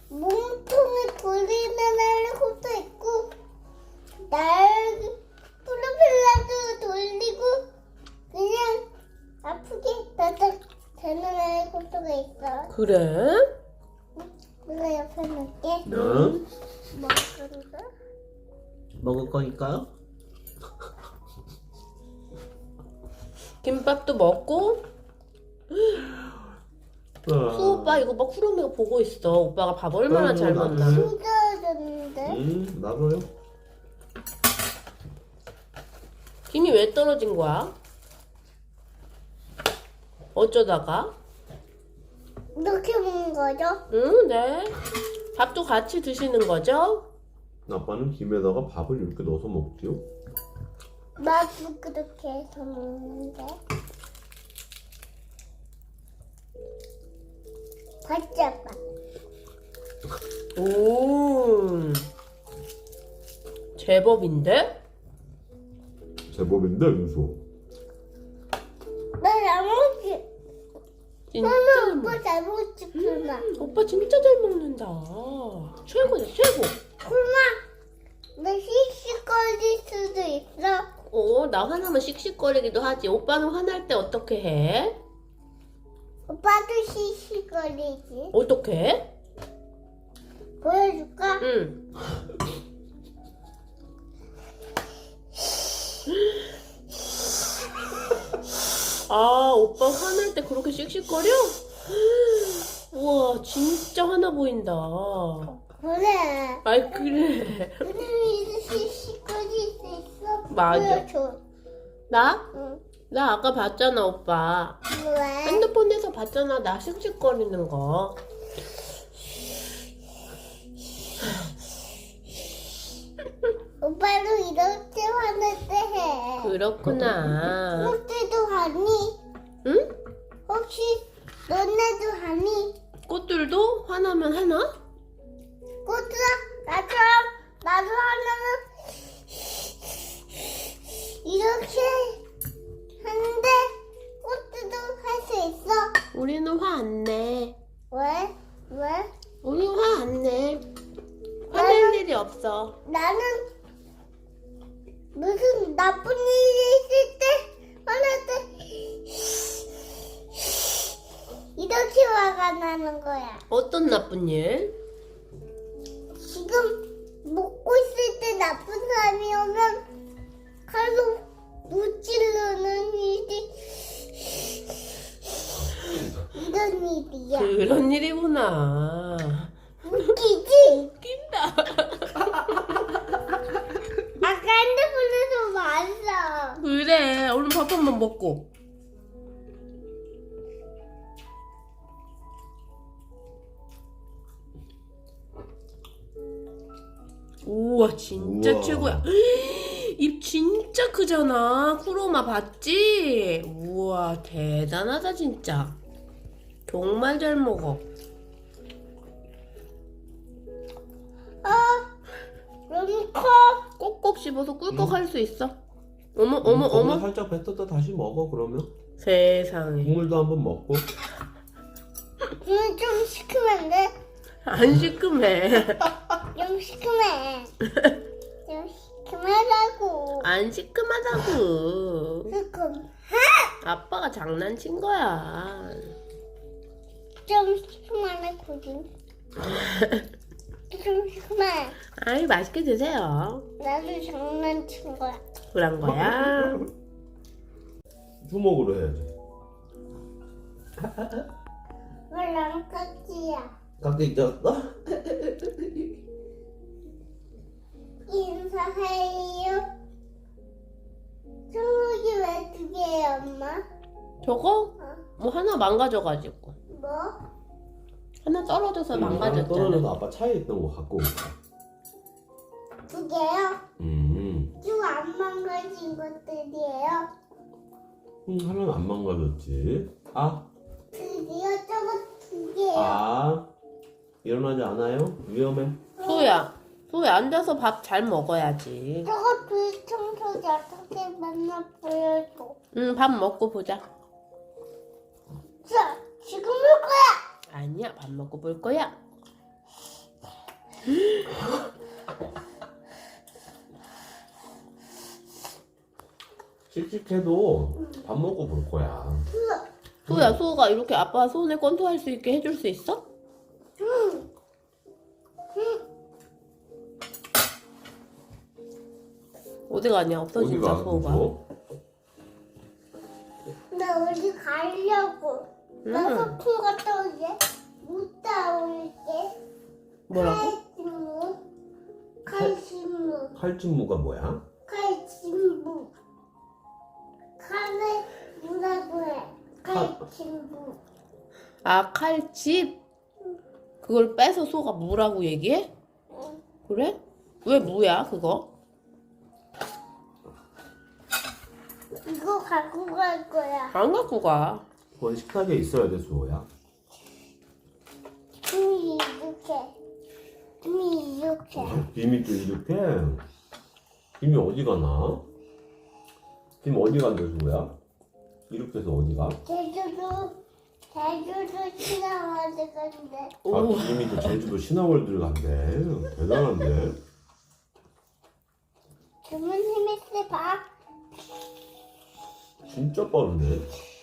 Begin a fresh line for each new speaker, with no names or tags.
몸통에 돌리는 헬리콥터 있고 날 프로펠러도 돌리고 그냥 아프게 따닥 되는 헬리콥터가 있어.
그래?
내가 옆에 놓을게.
응.
먹을까?
먹을 거니까요? 김밥도 먹고. 수 오빠 이거 봐, 쿠로미가 보고 있어. 오빠가 밥 얼마나 잘 먹나.
쏟아졌는데?
나도요.
김이 왜 떨어진 거야? 어쩌다가?
이렇게 먹는 거죠?
응, 네. 밥도 같이 드시는 거죠?
아빠는 김에다가 밥을 이렇게 넣어서 먹지요.
나도 그렇게 해서 먹는데. 봤지, 아빠?
오, 제법인데?
제법인데 윤수.
나 잘 먹지?
진짜
나는
잘
오빠
먹...
잘 먹지, 쿨마.
오빠 진짜 잘 먹는다. 최고다, 최고.
쿨마, 나 씩씩거릴 수도 있어.
나 화나면 씩씩거리기도 하지. 오빠는 화날 때 어떻게 해?
오빠도 씩씩거리지.
어떻게 해?
보여줄까?
응. 아, 오빠 화날 때 그렇게 씩씩거려? 우와, 진짜 화나 보인다.
그래.
아이, 그래.
근데 씩씩거릴 수 있어?
맞아.
보여줘.
나?
응.
나 아까 봤잖아, 오빠.
왜?
핸드폰에서 봤잖아, 나 씩씩거리는 거.
오빠도 이렇게 화낼 때 해.
그렇구나.
꽃들도 하니?
응?
혹시 너네도 하니?
꽃들도 화나면 하나?
꽃들아, 나도 하나는 이렇게 하는데 꽃들도 할 수 있어.
우리는 화 안 내.
왜? 왜?
우리 화 안 내. 화낼 일이 없어.
나는 무슨 나쁜 일이 있을 때 화날 때 이렇게 화가 나는 거야.
어떤 나쁜 일?
지금 먹고 있을 때 나쁜 사람이 오면 칼로 무찌르는 일이 이런 일이야.
그런 일이구나.
웃기지?
웃긴다.
아까 핸드폰에서 봤어.
그래, 얼른 밥 한 번 먹고. 우와, 진짜
우와.
최고야. 입 진짜 크잖아. 쿠로마 봤지? 우와, 대단하다 진짜. 정말 잘 먹어.
너무 커.
꼭꼭 씹어서 꿀꺽 할 수 있어. 어머, 어머, 어머.
살짝 뱉었다 다시 먹어 그러면.
세상에.
국물도 한번 먹고.
오늘 좀 시큼한 데?
안 시큼해.
좀 시큼해. 좀 시큼하다고.
안 시큼하다고.
시큼.
아빠가 장난친 거야.
좀 시큼하네, 고진. 좀 시큼해.
아이, 맛있게 드세요.
나도 장난친 거야.
그런 거야.
주먹으로 해야지.
왜난 깍지야?
깍지 쪘어?
인사해요. 청소기 왜 두 개야, 엄마?
저거?
어?
뭐 하나 망가져가지고.
뭐?
하나 떨어져서
떨어져서
망가졌잖아.
아빠 차에 있던 거 갖고 올까?
두 개요?
음.
쭉 안 망가진 것들이에요.
하나는 안 망가졌지.
드디어 저거 두 개요.
일어나지 않아요? 위험해.
소야 앉아서 밥 잘 먹어야지.
저거 불청소기 어떻게 맨날 보여줘.
응, 밥 먹고 보자.
자, 지금 볼 거야.
아니야, 밥 먹고 볼 거야.
씩씩해도 밥 먹고 볼 거야.
소야, 소가 이렇게 아빠 손에 권투할 수 있게 해줄 수 있어? 어디 가냐? 없어 진짜
어디가?
소가.
무서워?
나 어디 가려고. 나 소풍 갔다 올게. 못 따올게.
뭐라고?
칼슘무.
칼춤무가 뭐야?
칼슘무. 칼을 뭐라고 해? 칼슘무.
아, 칼집? 그걸 빼서 소가 무라고 얘기해? 그래? 왜 무야 그거?
이거 갖고 갈 거야.
안 갖고 가.
그건 식탁에 있어야 돼, 수호야.
김이 이렇게. 김이 이렇게.
김이 또 이렇게? 김이 어디 가나? 김 어디 간대, 수호야? 이렇게 해서 어디 가?
제주도 지나가야 건데.
오.
아, 김이 또 제주도 신화월드를 간대. 대단한데?
주문 힘있어 봐.
진짜 빠른데?